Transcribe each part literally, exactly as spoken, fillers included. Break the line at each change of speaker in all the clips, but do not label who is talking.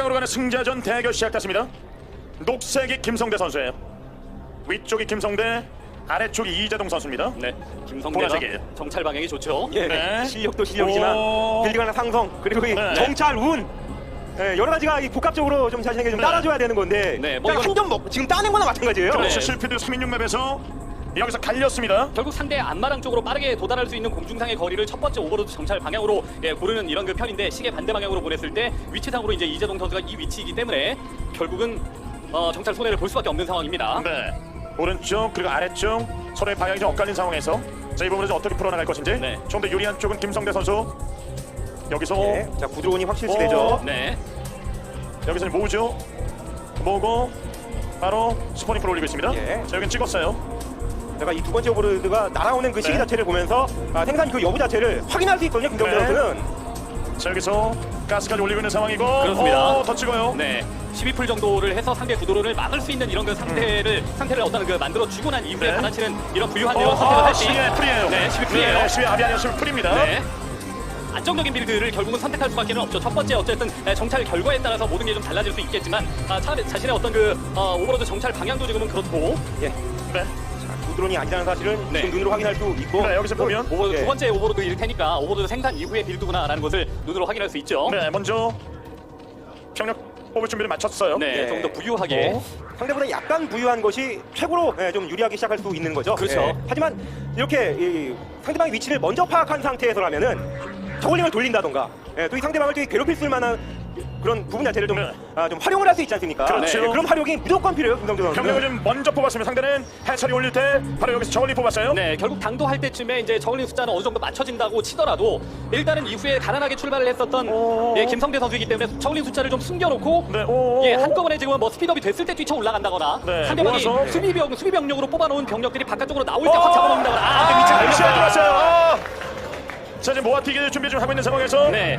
방향으로 가는 승자전 대결 시작됐습니다. 녹색이 김성대 선수예요. 위쪽이 김성대, 아래쪽이 이재동 선수입니다.
네, 김성대가
보라색이에요.
정찰 방향이 좋죠.
예,
네.
실력도 실력이지만
오.
빌드가나 상성 그리고 이
네.
정찰 운 예, 여러 가지가 이 복합적으로 좀 자신에게 좀
네.
따라줘야 되는 건데
네, 뭐 이건-
한 점 먹 지금 따낸 거나 마찬가지예요.
그렇죠.
네.
실피드 삼십육 맵에서 여기서 갈렸습니다.
결국 상대 안마랑 쪽으로 빠르게 도달할 수 있는 공중상의 거리를 첫 번째 오버로드 정찰 방향으로 예, 고르는 이런 그 편인데 시계 반대 방향으로 보냈을 때 위치상으로 이제 이재동 선수가 이 위치이기 때문에 결국은 어, 정찰 손해를 볼 수밖에 없는 상황입니다.
네. 오른쪽 그리고 아래쪽 서로의 방향이 좀 엇갈린 상황에서 자, 이 부분을 좀 어떻게 풀어나갈 것인지
네.
좀 더 유리한 쪽은 김성대 선수. 여기서
예, 자 구드론이 확실시
오.
되죠.
네,
여기서 모으죠. 모으고 바로 스포닝풀 올리고 있습니다.
예.
자, 여긴 찍었어요.
제가 이 두 번째 오버로드가 날아오는 그 시기
네.
자체를 보면서 아, 생산 그 여부 자체를 확인할 수 있거든요. 김정재
네.
선수는.
자, 여기서 가스까지 올리고 있는 상황이고
그렇습니다.
오, 더 찍어요.
네. 십이 풀 정도를 해서 상대 구도론을 막을 수 있는 이런 그 상태를 상태를 어떤 그 만들어 주고 난 이후에
네.
받아치는 이런 부유한
어,
이런 선택을
아,
할지.
십이 풀이에요.
네, 십이 풀이에요.
네, 십이 압이 아니라 십이 풀입니다.
네. 안정적인 빌드를 결국은 선택할 수밖에 없죠. 첫 번째 어쨌든 에, 정찰 결과에 따라서 모든 게 좀 달라질 수 있겠지만 아, 차, 자신의 어떤 그 어, 오버로드 정찰 방향도 지금은 그렇고
예.
네.
자, 구드론이 아니라는 사실은
네.
지금 눈으로 확인할 수 있고.
네, 여기서 보면
오버로드
예.
두 번째 오버로드일 테니까 오버로드 생산 이후의 빌드구나라는 것을 눈으로 확인할 수 있죠.
네, 먼저 병력 뽑을 준비를 마쳤어요.
네,
예.
좀 더 부유하게.
어?
상대보다 약간 부유한 것이 최고로 예, 좀 유리하게 시작할 수 있는 거죠.
그렇죠.
예. 하지만 이렇게 이 상대방의 위치를 먼저 파악한 상태에서라면은 저글링을 돌린다던가 예, 또 이 상대방을 좀 괴롭힐 수 만한 그런 부분 자체를 좀,
네.
아, 좀 활용을 할 수 있지 않습니까?
그렇죠.
예, 그런 활용이 무조건 필요해요. 김성재
병력을
선수는.
좀 먼저 뽑았습니다. 상대는 해철이 올릴 때 바로 여기서 저울리 뽑았어요.
네, 결국 당도할 때쯤에 이제 저글링 숫자는 어느 정도 맞춰진다고 치더라도 일단은 이후에 가난하게 출발을 했었던
오.
예, 김성대 선수이기 때문에 저글링 숫자를 좀 숨겨놓고
네, 오.
예, 한꺼번에 지금 뭐 스피드업이 됐을 때 뛰쳐 올라간다거나
네,
상대방이
모아서.
수비병, 수비병력으로 뽑아놓은 병력들이 바깥쪽으로 나올 때 확 잡아먹는다거나 아, 그 위치가
시간
잘못됐다.
들어왔어요. 아. 자, 이제 모아튀기 준비 좀 하고 있는 상황에서
네,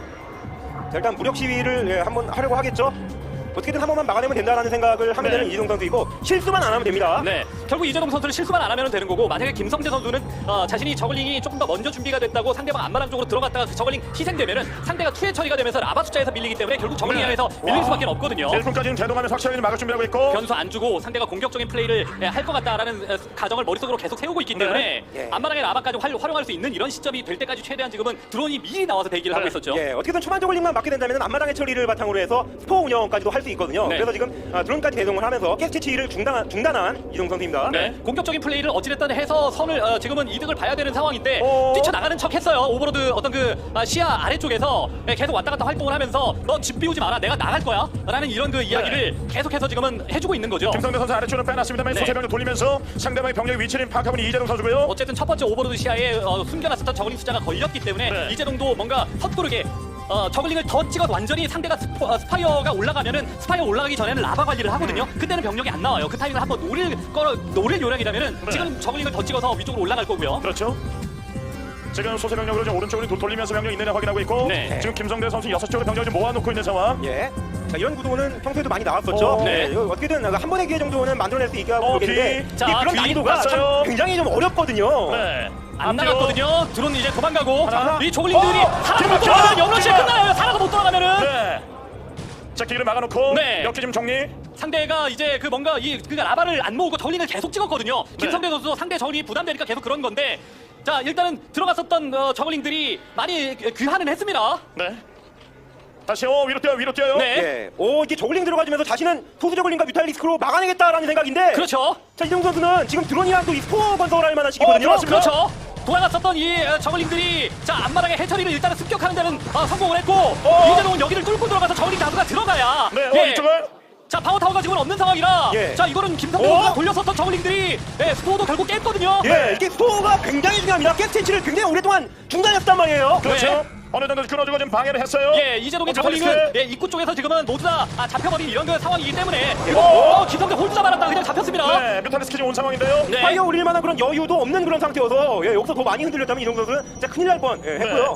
자, 일단 무력 시위를 예, 한번 하려고 하겠죠. 어떻게든 한 번만 막아내면 된다라는 생각을 하면
네.
되는 이동 선수이고 실수만 안 하면 됩니다.
네. 결국 이재동 선수는 실수만 안 하면 되는 거고 만약에 김성재 선수는 어, 자신이 저글링이 조금 더 먼저 준비가 됐다고 상대방 안마랑 쪽으로 들어갔다가 그 저글링 희생되면은 상대가 투회 처리가 되면서 라바 숫자에서 밀리기 때문에 결국 저글링
네.
안에서 밀릴 수밖에 없거든요.
일 분까지는 대동하면서 확실하게 막을 준비하고 있고
변수 안 주고 상대가 공격적인 플레이를 예, 할 것 같다라는 에, 가정을 머릿속으로 계속 세우고 있기 때문에
네. 예.
안마랑의 라바까지 활, 활용할 수 있는 이런 시점이 될 때까지 최대한 지금은 드론이 미리 나와서 대기를 하고
네.
있었죠.
예, 어떻게든 초반 저글링만 막게 된다면 앞마당의 처리를 바탕으로 해서 스포 운영까지도 할 수 있거든요.
네.
그래서 지금 아, 드론까지 대동을 하면서 가스 채취를 중단한, 중단한 이동 선수입니다.
네. 공격적인 플레이를 어찌됐든 해서 선을 어, 지금은 이득을 봐야 되는 상황인데
어.
뛰쳐나가는 척 했어요. 오버로드 어떤 그 아, 시야 아래쪽에서 예, 계속 왔다 갔다 활동을 하면서 너 집 비우지 마라 내가 나갈 거야 라는 이런 그 이야기를 계속해서 지금은 해주고 있는 거죠.
김성대 선수 아래쪽으로 빼놨습니다만
네.
소세병을 돌리면서 상대방의 병력의 위치를 파악하고 있는 이재동 선수고요.
어쨌든 첫 번째 오버로드 시야에 어, 숨겨놨었던 저글링 숫자가 걸렸기 때문에
네.
이재동도 뭔가 헛구르게 어, 저글링을 더 찍어서 완전히 상대가 스포, 어, 스파이어가 올라가면은 스파이어 올라가기 전에는 라바 관리를 하거든요. 그때는 병력이 안 나와요. 그 타이밍을 한번 노릴 거 노릴 요량이라면은
네.
지금 저글링을 더 찍어서 위쪽으로 올라갈 거고요.
그렇죠. 지금 소세병력으로 좀 오른쪽으로 도- 돌리면서 병력 있느냐 확인하고 있고
네.
지금 김성대 선수 여섯 쪽으로 병력을 좀 모아놓고 있는 상황.
예. 자, 이런 구도는 평소에도 많이 나왔었죠.
어,
네.
이거 어떻게든 한 번의 기회 정도는 만들어낼 수 있게 하고
어,
모르겠는데
뒤.
자,
이게 그런
뒤
난이도가 참
왔어요.
굉장히 좀 어렵거든요.
네.
안
앞뒤로.
나갔거든요. 드론 이제 도망가고
하나.
이 조글링들이
어!
살아서 못
기막혀!
돌아가면 영러시에
기막-
끝나요. 살아서 못 돌아가면은
네. 자, 길을 막아놓고
네.
역기 좀 정리.
상대가 이제 그 뭔가 이 그 라바를 안 모으고 저글링을 계속 찍었거든요.
네.
김성대 선수도 상대 저글링이 부담되니까 계속 그런 건데 자 일단은 들어갔었던 어, 저글링들이 많이 귀환은 했습니다.
네. 다시 어 위로 뛰어요. 위로 뛰어요.
네.
예. 오, 이게 저글링 들어가주면서 자신은 소수 저글링과 뮤탈리스크로 막아내겠다라는 생각인데.
그렇죠.
자, 이정 선수는 지금 드론이랑 또 이 스포 건설할 만한
어,
시기거든요.
들어왔습니다.
그렇죠. 돌아갔었던 이 어, 저글링들이 자 앞마당의 해처리를 일단은 습격하는 데는 어, 성공을 했고
어.
이재동은 여기를 뚫고 들어가서 저글링 다수가 들어가야
네. 어
예.
이쪽을.
자 파워타워가 지금 없는 상황이라
예.
자 이거는 김성대
어?
선수가 돌렸었던 저글링들이 예, 스포도 결국 깼거든요.
예, 이게 스포가 굉장히 중요합니다. 가스 채취를 굉장히 오랫동안 중단했단 말이에요.
그렇죠.
네.
어느 정도 끊어주고 지금 방해를 했어요.
예, 이재동의
어,
저글링은
뮤탈리스크.
예, 입구 쪽에서 지금은 모두 다 아, 잡혀버린 이런 그 상황이기 때문에
예.
어, 김성대 홀드 잡아놨다가 그냥 잡혔습니다.
네. 뮤탈리스크 지금 온 상황인데요.
네.
파이어 올릴 만한 그런 여유도 없는 그런 상태여서 예, 여기서 더 많이 흔들렸다면 이정 선수는 진짜 큰일 날 뻔 예, 했고요.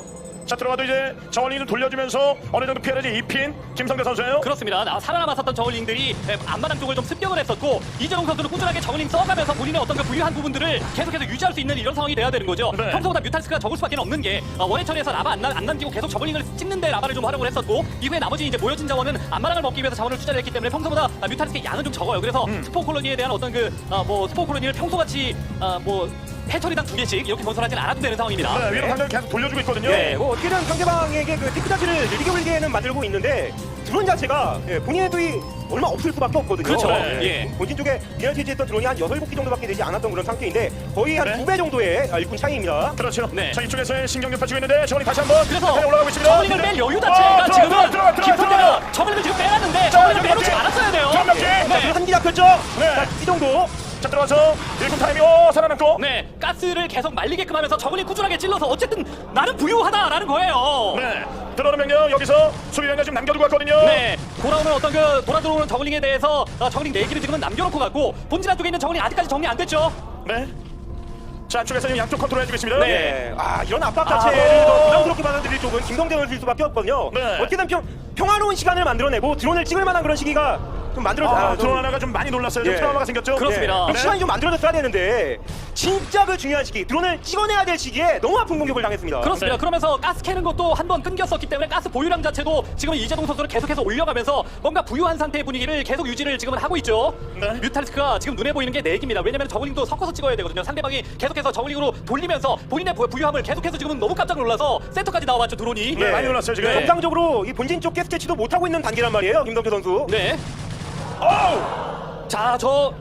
자 들어가도 이제 저울링을 돌려주면서 어느 정도 피해를 입힌 김성대 선수예요.
그렇습니다. 나- 살아남았었던 저글링들이 에, 앞마당 쪽을 좀 습격을 했었고 이재동 선수는 꾸준하게 저글링 써가면서 본인의 어떤 그 부유한 부분들을 계속해서 유지할 수 있는 이런 상황이 돼야 되는 거죠.
네.
평소보다 뮤탈스크가 적을 수밖에 없는 게 어, 원해 처리에서 라바 안, 남- 안 남기고 계속 저글링을 찍는데 라바를 좀 활용을 했었고 이후에 나머지 이제 모여진 자원은 앞마당을 먹기 위해서 자원을 투자를 했기 때문에 평소보다 아, 뮤탈스크의 양은 좀 적어요. 그래서
음.
스포 콜로니에 대한 어떤 그 뭐 스포 콜로니를 평소같이 아, 뭐 해처리당 두 개씩 이렇게 건설하진 않아도 되는 상황입니다.
네, 위로 강력히 계속 돌려주고 있거든요.
예, 뭐 어떻게든 상대방에게 그 테크 자체를 느리게 올리게는 만들고 있는데 드론 자체가 예, 본인의 도이 얼마 없을 수밖에 없거든요.
그렇죠.
네.
예.
본진 쪽에 미네랄티지했던 드론이 한 여섯, 일곱 기 정도밖에 되지 않았던 그런 상태인데 거의 한
네.
두 배 정도의 아, 일꾼 차이입니다.
그렇죠.
네.
자 이쪽에서 신경전 펼치고 있는데 저울링 다시 한번
그래서
올라가고 있습니다.
저글링을 뺄 여유 자체가
어,
지금은
들어가, 들어가, 들어가,
김선대가
들어가.
저글링을 지금 빼놨는데
자,
저글링을
여기
빼놓지
여기.
않았어야 돼요.
자, 여기.
네.
자, 한기 잡혔죠?
네.
자, 이 정도.
자 들어와서 일꾼 타이밍 오 살아남고.
네, 가스를 계속 말리게끔 하면서 저글링 꾸준하게 찔러서 어쨌든 나는 부유하다라는 거예요.
네. 들어오는 명령 여기서 수비 명령 지금 남겨두고 왔거든요.
네, 돌아오는 어떤 그 돌아 들어오는 저글링에 대해서 어, 저글링 네 기를 지금은 남겨놓고 갔고 본진 안쪽에 있는 저글링 아직까지 정리 안 됐죠.
네. 자 안쪽에서 지금 양쪽 컨트롤 해주고 있습니다.
네.
예. 아, 이런 압박
아,
자체를
어.
더 부담스럽게 받아들일 쪽은 김성대 선수일 수밖에 없거든요.
네.
어떻게든 평, 평화로운 시간을 만들어내고 드론을 찍을 만한 그런 시기가 좀 만들어.
아,
아,
드론
좀-
하나가 좀 많이 놀랐어요. 좀
예.
트라우마가 생겼죠.
그렇습니다.
좀
네.
시간이 좀 만들어졌어야 되는데 진짜 그 중요한 시기 드론을 찍어내야 될 시기에 너무 아픈 공격을 당했습니다.
그렇습니다.
네.
그러면서 가스 캐는 것도 한 번 끊겼었기 때문에 가스 보유량 자체도 지금 이재동 선수를 계속해서 올려가면서 뭔가 부유한 상태의 분위기를 계속 유지를 지금은 하고 있죠.
네.
뮤탈스크가 지금 눈에 보이는 게 네 기입니다. 왜냐면 저글링도 섞어서 찍어야 되거든요. 상대방이 계속해서 저글링으로 돌리면서 본인의 부- 부유함을 계속해서 지금은 너무 깜짝 놀라서 센터까지 나와봤죠, 드론이.
네, 많이 놀랐어요 지금.
네.
정상적으로 이 본진 쪽 가스 채취도 못하고 있는 단계란 말이에요, 김성대 선수.
네.
어우!
자, 저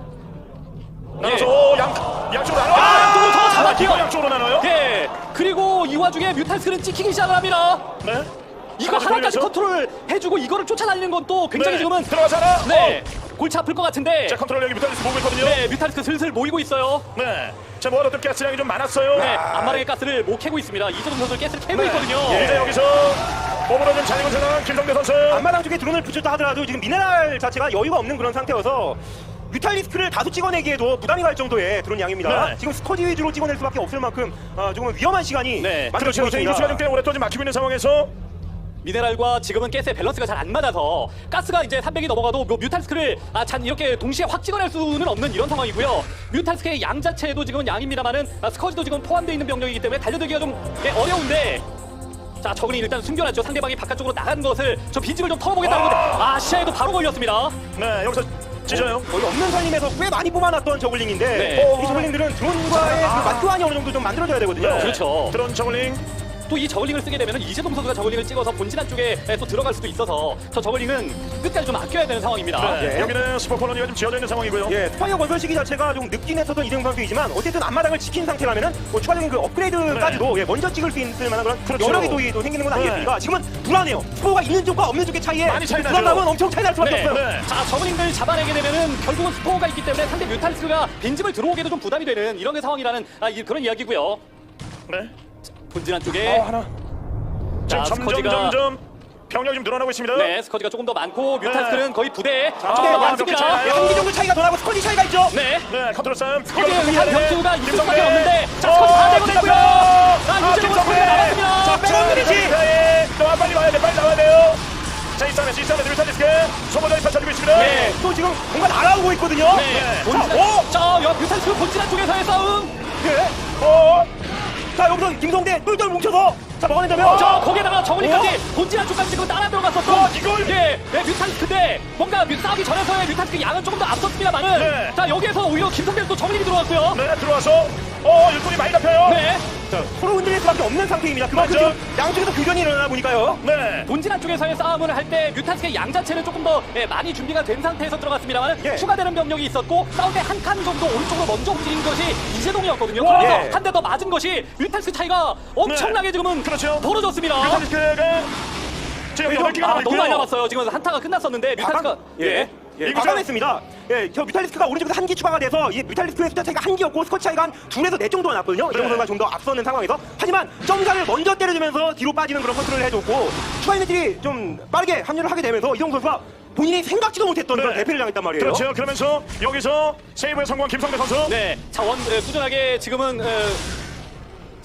나눠서
예.
양 양쪽으로 나눠.
아, 또 저거 잡았죠.
양쪽으로 나눠요.
예. 그리고 이 와중에 뮤탈스크는 찍히기 시작을 합니다.
네.
이거 하나까지 컨트롤 해주고 이거를 쫓아다니는 건 또 굉장히
네.
지금은
들어가잖아.
네 골치 아플 것 같은데
자 컨트롤 여기 뮤탈리스 보고 있거든요.
네 뮤탈스크 슬슬 모이고 있어요.
네. 자 뭐 어떤 가스량이 좀 많았어요.
네 앞마당의 가스를 못 캐고 있습니다. 이재동 선수 가스를 캐고
네.
있거든요.
이제 여기서 몸으로 좀 잘리고 생각한 김성대 선수.
앞마당 쪽에 드론을 붙였다 하더라도 지금 미네랄 자체가 여유가 없는 그런 상태여서 뮤탈리스크를 다수 찍어내기에도 부담이 갈 정도의 드론 양입니다.
네.
지금 스커지 위주로 찍어낼 수밖에 없을 만큼 아, 조금 위험한 시간이
네.
그렇죠.
만들어지고
그래서
있습니다.
이루수가 좀 꽤 오랫동안 막히고 있는 상황에서
미네랄과 지금은 가스의 밸런스가 잘 안 맞아서 가스가 이제 삼백이 넘어가도 뭐 뮤탈스크를 아, 잔 이렇게 동시에 확 찍어낼 수는 없는 이런 상황이고요. 뮤탈스크의 양 자체도 지금은 양입니다만은 아, 스커지도 지금 포함되어 있는 병력이기 때문에 달려들기가 좀 예, 어려운데 자 저글링 일단 숨겨놨죠. 상대방이 바깥쪽으로 나간 것을 저 빈집을 좀 털어보겠다는 건데 아 시야에도 바로 걸렸습니다.
네 여기서 찢어요.
거의 없는 살림에서 꽤 많이 뽑아놨던 저글링인데
네.
이 저글링들은 드론과의 그 맞교환이 어느 정도 좀 만들어져야 되거든요.
네.
그렇죠.
드론 저글링.
또 이 저글링을 쓰게 되면 이재동 선수가 저글링을 찍어서 본진 안쪽에 또 들어갈 수도 있어서 저 저글링은 끝까지 좀 아껴야 되는 상황입니다.
네.
예.
여기는 스포 콜로니가 좀 지어져 있는 상황이고요.
예, 스파이어 건설 시기 자체가 좀 늦긴 했었던 이재용 선수이지만 어쨌든 앞마당을 지킨 상태라면은 뭐 추가적인 그 업그레이드까지도 예, 먼저 찍을 수 있을 만한 그런
그렇죠.
여러 기도이 또 생기는 건
네.
아니겠습니까? 지금은 불안해요. 스포가 있는 쪽과 없는 쪽의 차이에
많이 차이 나죠.
불안감은 엄청 차이 날 수밖에
네.
없어요.
네.
자 저글링들 잡아내게 되면은 결국은 스포가 있기 때문에 상대 뮤탈스가 빈집을 들어오게도 좀 부담이 되는 이런 상황이라는 아, 이, 그런 이야기고요.
네.
본진 안쪽에
어 하나.
자,
지금 점점
스커지가-
점점 병력이 좀 늘어나고 있습니다.
네 스커지가 조금 더 많고 뮤탈스는 거의 부대
자,
조금 더
아,
많습니다.
몇 개
예, 한기 정도 차이가 더 나고 스쿼지 차이가 있죠.
네.
네, 컨트롤 싸움.
스커지의
이거
의한
해야 돼.
변수가 있을
김성대.
수밖에 없는데 자
어,
스커지 다 되고
김성대.
됐고요. 자
아,
이재동
김성대.
선수가 나왔습니다.
자, 백원 그리지.
자, 빨리 와야 돼, 빨리 나와야 돼요. 자, 이 싸움에서 이 싸움에서 뮤탈리스크 소모전이 펼쳐지고 있습니다.
네.
또 지금 뭔가 날아오고 있거든요.
네.
자,
본진
오!
자 여- 뮤탈스 본진 안쪽에서의 싸움.
예.
어,
자, 여기서 김성대 똘똘 뭉쳐서 자, 먹어낸다면
자 거기에다가 저글링까지 본진 안쪽까지 지금 따라 들어갔었고
어, 이걸!
예, 예 뮤탈스인데 뭔가 뮤- 싸우기 전에서의 뮤탈스 양은 조금 더 앞섰습니다만은
네.
자 여기에서 오히려 김성대 또 저글링이 들어왔고요.
네, 들어와서 어, 일꾼이 많이 잡혀요.
네.
자, 서로 흔들릴 수밖에 없는 상태입니다. 그만큼
맞죠?
지금 양쪽에서 교전이 일어나 보니까요.
네.
본진 안쪽에서의 싸움을 할 때 뮤탈스의 양 자체는 조금 더 예, 많이 준비가 된 상태에서 들어갔습니다만
예.
추가되는 병력이 있었고 싸울 때 한 칸 정도 오른쪽으로 먼저 움직인 것이 이재동이었거든요.
와.
그래서
예.
한 대 더 맞은 것이 뮤탈스 차이가 엄청나게 지금은
그렇죠.
벌어졌습니다.
뮤탈리스크가 지금 여덟 개가
아,
남아
너무
있고요.
많이 남았어요. 지금 한타가 끝났었는데 뮤탈스가
예. 예,
이거
과감했습니다. 예, 저 뮤탈리스크가 오른쪽에서 한 기 추가가 돼서 이 뮤탈리스크의 숫자 차이가 한 기였고 스쿼트 차이가 한 둘에서 넷 정도가 났거든요. 이정 선수가 좀 더 앞서는 상황에서 하지만 점사를 먼저 때려주면서 뒤로 빠지는 그런 컨트롤을 해줬고 추가 인들이 좀 빠르게 합류를 하게 되면서 이정 선수가 본인이 생각지도 못했던
네.
그런 대패를 당했단 말이에요.
그렇죠. 그러면서 여기서 세이브에 성공한 김성대 선수.
네, 자원 에, 꾸준하게 지금은 에,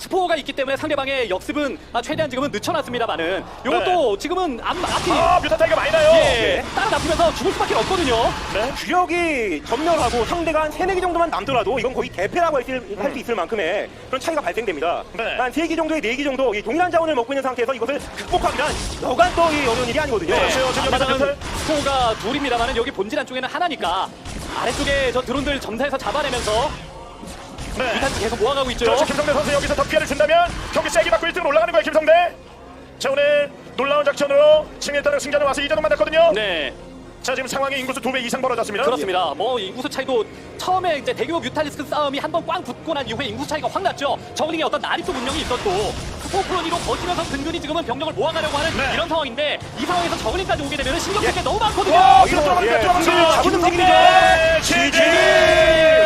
스포가 있기 때문에 상대방의 역습은 아, 최대한 지금은 늦춰놨습니다만은 이것도 지금은 앞, 앞이
아, 뮤탄 타이가 많이 나요.
예, 따라 잡히면서 죽을 수밖에 없거든요.
네.
주력이 전멸하고 상대가 한 세네 개 정도만 남더라도 이건 거의 대패라고 할 수 있을 만큼의 그런 차이가 발생됩니다.
네.
한 세 개 정도의 네 개 정도 이 동일한 자원을 먹고 있는 상태에서 이것을 극복하기란 여간 또 이 어려운 일이 아니거든요.
네. 지금 여기서
앞마당은
뮤탈?
스포가 둘입니다만은 여기 본질 안쪽에는 하나니까 아래쪽에 저 드론들 점사해서 잡아내면서
네.
뮤탄 계속 모아가고 있죠.
그렇죠. 김성대 선수 여기서 더 피해를 준다면 경기 세게 받고 일 등으로 올라가는 거예요, 김성대. 자, 오늘 놀라운 작전으로 승리했다는 승자는 와서 이자동 만났거든요.
네.
자, 지금 상황이 인구수 두 배 이상 벌어졌습니다.
그렇습니다. 뭐 인구수 차이도 처음에 이제 대규모 뮤탈리스크 싸움이 한 번 꽝 붙고 난 이후에 인구수 차이가 확 났죠. 저글링의 어떤 난입도 분명히 있었고 스포프로니로 버티면서 근근히 지금은 병력을 모아가려고 하는
네.
이런 상황인데 이 상황에서 저글링까지 오게 되면 신경 쓸 게 너무 많거든요.
와, 이거
이거,
들어가는
예,
거 들어가는
잡은
거.
움직임이죠.
네, 지지.